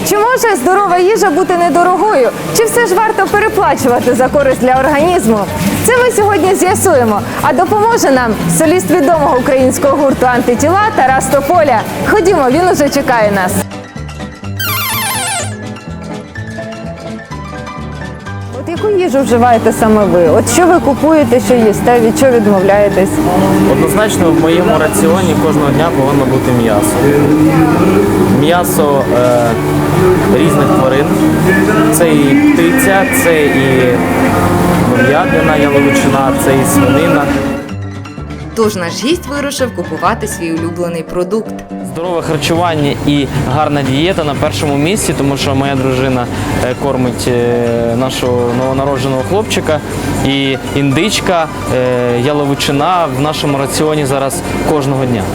Чи може здорова їжа бути недорогою? Чи все ж варто переплачувати за користь для організму? Це ми сьогодні з'ясуємо. А допоможе нам соліст відомого українського гурту «Антитіла» Тарас Тополя. Ходімо, він уже чекає нас. От яку їжу вживаєте саме ви? От що ви купуєте, що їсте, від чого відмовляєтесь? Однозначно в моєму раціоні кожного дня повинно бути м'ясо. М'ясо різних тварин. Це і птиця, це і говядина, яловичина, це і свинина. Тож наш гість вирушив купувати свій улюблений продукт. Здорове харчування і гарна дієта на першому місці, тому що моя дружина кормить нашого новонародженого хлопчика. І індичка, яловичина в нашому раціоні зараз кожного дня.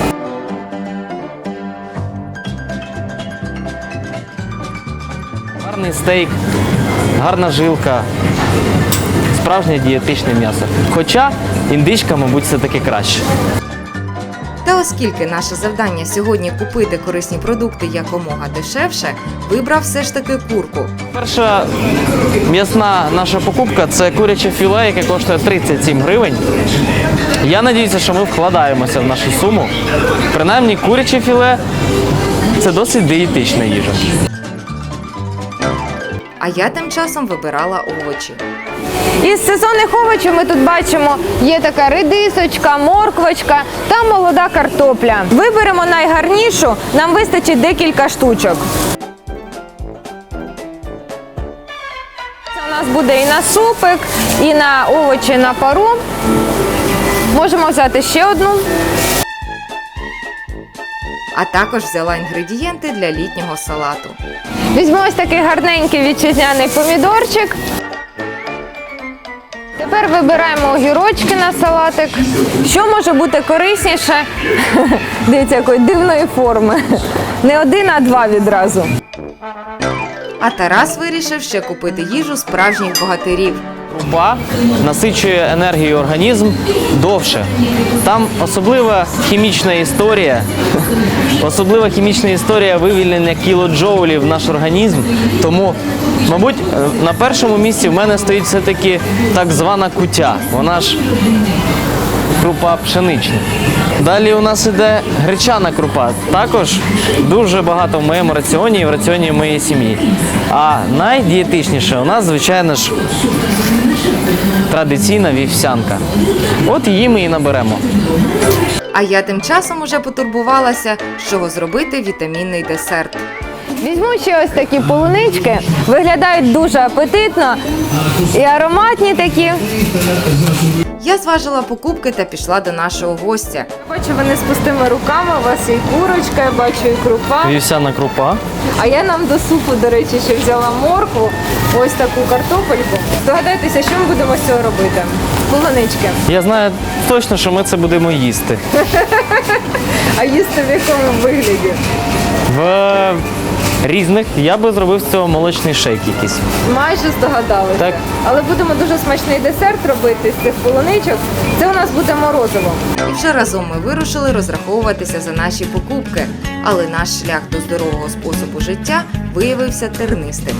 Гарний стейк, гарна жилка, справжнє дієтичне м'ясо. Хоча індичка, мабуть, все-таки краще. Та оскільки наше завдання сьогодні купити корисні продукти якомога дешевше, вибрав все ж таки курку. Перша м'ясна наша покупка – це куряче філе, яке коштує 37 гривень. Я сподіваюся, що ми вкладаємося в нашу суму. Принаймні, куряче філе – це досить дієтична їжа. А я тим часом вибирала овочі. Із сезонних овочів ми тут бачимо, є така редисочка, морквочка та молода картопля. Виберемо найгарнішу, нам вистачить декілька штучок. Це у нас буде і на супик, і на овочі на пару. Можемо взяти ще одну. А також взяла інгредієнти для літнього салату. Візьмемо ось такий гарненький вітчизняний помідорчик. Тепер вибираємо огірочки на салатик. Що може бути корисніше? Дивіться, якої дивної форми. Не один, а два відразу. А Тарас вирішив ще купити їжу справжніх богатирів. Крупа насичує енергію організм довше. Там особлива хімічна історія вивільнення кілоджоулів в наш організм. Тому, мабуть, на першому місці в мене стоїть все-таки так звана кутя. Вона ж крупа пшенична. Далі у нас іде гречана крупа. Також дуже багато в моєму раціоні і в раціоні моєї сім'ї. А найдієтичніше у нас, звичайно ж, традиційна вівсянка. От її ми і наберемо. А я тим часом уже потурбувалася, з чого зробити вітамінний десерт. Візьму ще ось такі полунички. Виглядають дуже апетитно і ароматні такі. Я зважила покупки та пішла до нашого гостя. Бачу, вони з пустими руками, у вас і курочка, я бачу, і крупа. Вівсяна крупа. А я нам до супу, до речі, ще взяла моркву, ось таку картопельку. Здогадайтеся, що ми будемо з цього робити? Полунички. Я знаю точно, що ми це будемо їсти. А їсти в якому вигляді? В різних. Я би зробив з цього молочний шейк якийсь. Майже здогадалися. Так. Але будемо дуже смачний десерт робити з цих полуничок. Це у нас буде морозиво. І вже разом ми вирушили розраховуватися за наші покупки. Але наш шлях до здорового способу життя виявився тернистим.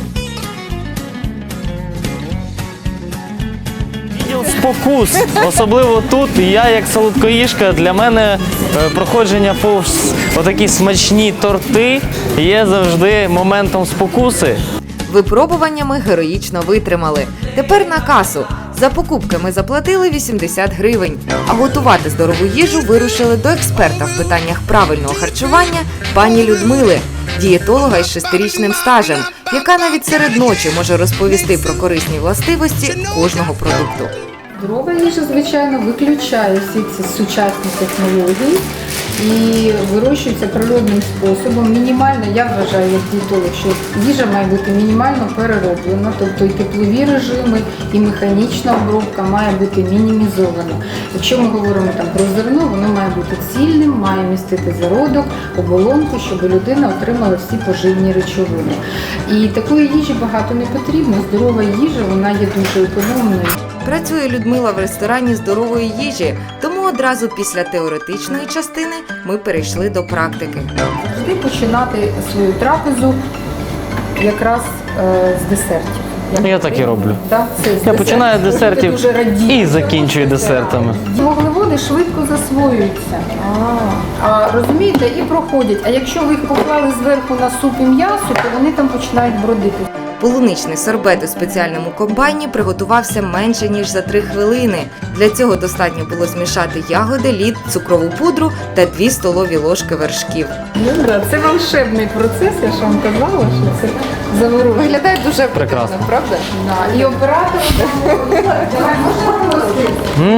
Відділ спокус. Особливо тут. Я, як солодкоїжка, для мене проходження повз отакі смачні торти є завжди моментом спокуси. Випробування ми героїчно витримали. Тепер на касу. За покупки ми заплатили 80 гривень. А готувати здорову їжу вирушили до експерта в питаннях правильного харчування пані Людмили, дієтолога із 6-річним стажем, яка навіть серед ночі може розповісти про корисні властивості кожного продукту. Здорова їжа, звичайно, виключає всі ці сучасні технології і вирощується природним способом. Мінімально, я вважаю, як дієтолог, що їжа має бути мінімально перероблена, тобто і теплові режими, і механічна обробка має бути мінімізована. Якщо ми говоримо там про зерно, воно має бути цільним, має містити зародок, оболонку, щоб людина отримала всі поживні речовини. І такої їжі багато не потрібно. Здорова їжа, вона є дуже економною. Працює Людмила в ресторані здорової їжі, тому одразу після теоретичної частини ми перейшли до практики. Завжди починати свою трапезу якраз з десертів. Я так і роблю. Так, це з Я десертів. починаю з десертів Дуже радію. і закінчую десертами. Вуглеводи швидко засвоюються. Розумієте, і проходять. А якщо ви їх поклали зверху на суп і м'ясо, то вони там починають бродити. Полуничний сорбет у спеціальному комбайні приготувався менше, ніж за 3 хвилини. Для цього достатньо було змішати ягоди, лід, цукрову пудру та 2 столові ложки вершків. Це волшебний процес, я ж вам казала, що це заворожує. Виглядає дуже Прекрасно. правда? Да. І оператор давай, можна просто?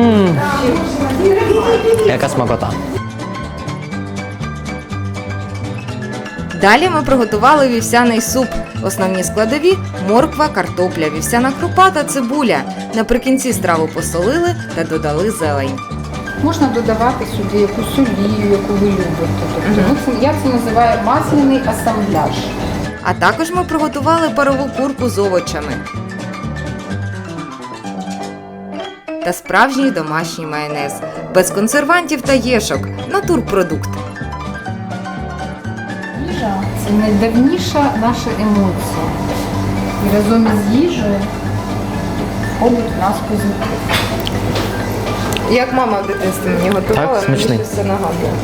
Яка смакота. Далі ми приготували вівсяний суп. Основні складові – морква, картопля, вівсяна крупа та цибуля. Наприкінці страву посолили та додали зелень. Можна додавати сюди якусь олію, яку ви любите. Тобто, я це називаю масляний асамбляж. А також ми приготували парову курку з овочами та справжній домашній майонез. Без консервантів та єшок. Натурпродукт. Їжа – це найдавніша наша емоція. І разом із їжею входить в нас позитив. Як мама в дитинстві мені готувала, Так, смачний. мені все нагадує.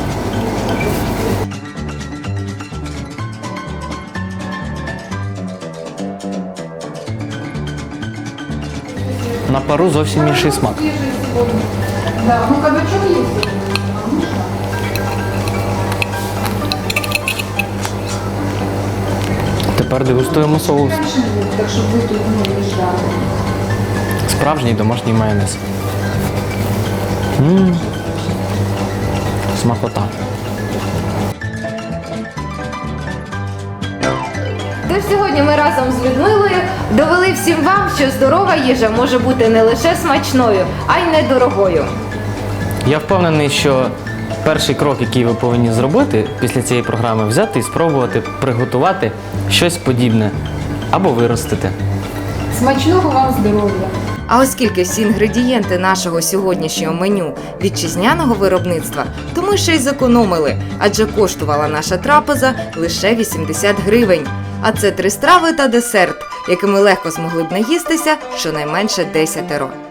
На пару зовсім інший смак. Да, ну кабачок є. Тепер дегустуємо соус. Так щоб ви тут не виїжджали. Справжній домашній майонез. Смакота. Тож сьогодні ми разом з Людмилою довели всім вам, що здорова їжа може бути не лише смачною, а й недорогою. Я впевнений, що перший крок, який ви повинні зробити після цієї програми, взяти і спробувати приготувати щось подібне або виростити. Смачного вам здоров'я! А оскільки всі інгредієнти нашого сьогоднішнього меню вітчизняного виробництва, то ми ще й зекономили, адже коштувала наша трапеза лише 80 гривень. А це 3 страви та десерт, якими легко змогли б наїстися щонайменше 10.